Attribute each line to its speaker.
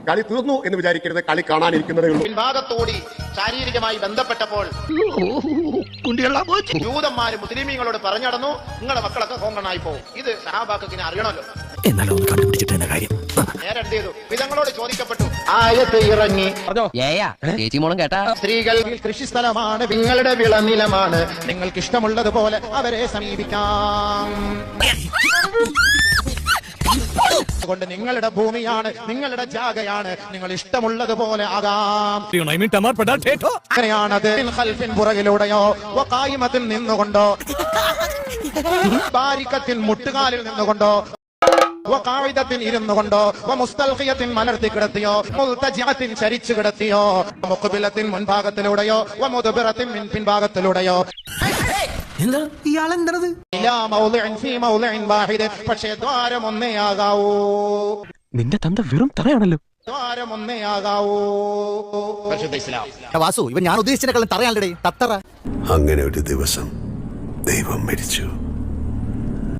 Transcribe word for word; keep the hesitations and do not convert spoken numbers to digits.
Speaker 1: കളി തീർന്നു എന്ന് വിചാരിക്കരുത്, കളി കാണാനിരിക്കുന്നതേ ഉള്ളൂ.
Speaker 2: പിൻഭാഗത്തോടി ശാരീരികമായി ബന്ധപ്പെട്ടപ്പോൾ ജൂതന്മാര് മുസ്ലിമീങ്ങളോട് പറഞ്ഞു നടന്നു, നിങ്ങളുടെ മക്കളൊക്കെ കോങ്കണായി പോകും. ഇത് സഹാബാക്കിനെ അറിയണമല്ലോ.
Speaker 3: എന്നാലും ഒന്ന് കണ്ടുപിടിച്ചിട്ട് തന്നെ കാര്യം.
Speaker 2: നേരെ എന്ത് ചെയ്തു? വിധങ്ങളോട് ചോദിക്കപ്പെട്ടു. ആയത്ത് ഇറങ്ങി.
Speaker 3: ചേച്ചി മോളും കേട്ടാ,
Speaker 2: സ്ത്രീകൾ കൃഷിസ്ഥലമാണ്, നിങ്ങളുടെ വിളനിലമാണ്, നിങ്ങൾക്ക് ഇഷ്ടമുള്ളതുപോലെ അവരെ സമീപിക്കാം. കൊണ്ട് നിങ്ങളുടെ ഭൂമിയാണ്, നിങ്ങളുടെ ജാഗയാണ്, നിങ്ങൾ ഇഷ്ടമുള്ളതുപോലെ ആകാം. അങ്ങനെയാണത്. പുറകിലൂടെയോ വഖായിമത്തിൽ നിന്നുകൊണ്ടോ, ബാരിക്കത്തിൽ മുട്ടുകാലിൽ നിന്നുകൊണ്ടോ, വഖാഇദത്തിൽ ഇരുന്നു കൊണ്ടോ, വമുസ്തൽഖിയത്തിൻ മലർത്തി കിടത്തിയോ, മുൽതജിഅത്തിൻ ചരിച്ചു കിടത്തിയോ, മുഖബിലത്തിൻ മുൻഭാഗത്തിലൂടെയോ, വമുദ്ബിറത്തിൻ പിൻഭാഗത്തിലൂടെയോ, പക്ഷേ ദ്വാരം ഒന്നേ ആകാവൂ.
Speaker 3: നിന്റെ തന്ത വെറും തറയാണല്ലോ.
Speaker 2: ദ്വാരം ഒന്നേ ആകാവൂ.
Speaker 4: വാസു, ഇവൻ ഞാൻ ഉദ്ദേശിച്ചതിനെക്കാളും തറയാണല്ലേ തത്തറ.
Speaker 5: അങ്ങനെ ഒരു ദിവസം ദൈവം മരിച്ചു.